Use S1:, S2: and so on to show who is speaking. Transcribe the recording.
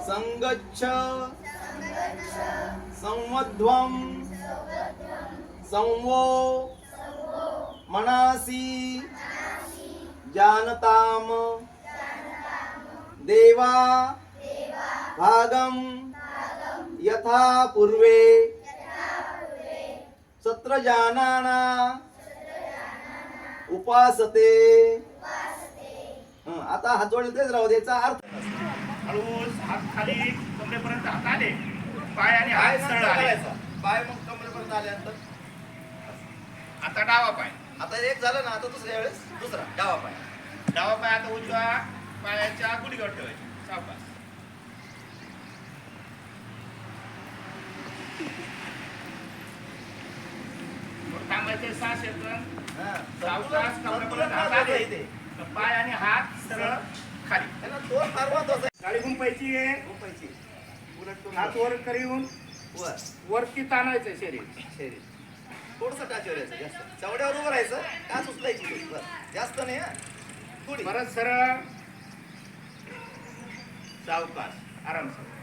S1: संगच्छ संवध्वं संवो मनासी जानताम देवा भागम यथा पूर्वे सत्र जानाना उपासते. आता हात जोडलेच राहू द्यायचा अर्थ
S2: हळूच हात खाली कमरेपर्यंत हात आले, पाय आणि हात सरळ आले.
S1: पाय मग कमरेपर्यंत आल्यानंतर
S2: आता डावा पाय.
S1: आता एक झालं ना, आता दुसऱ्या वेळेस दुसरा डावा पाय.
S2: डावा पाय आता उजव्या पायाच्या गुडघ्यावर ठेवायचे. सावकाश थांबायचे. 6 सेकंद. सावकाश कमरेपर्यंत हात आले, पाय आणि हात सरळ खाली.
S1: त्याला दोन महत्वाचा
S2: गाडी गुंपायची आहे.
S1: झोपायची
S2: हात वर करून
S1: वर
S2: वरती ताणायचं शरीर.
S1: शरीर थोडंसं टाचवर यायचं, जास्त चवड्यावर उभं राहायचं. टाच उचलायची थोडी, बरं जास्त नाही हा, थोडी.
S2: परत सरळ सावकाश आरामसर.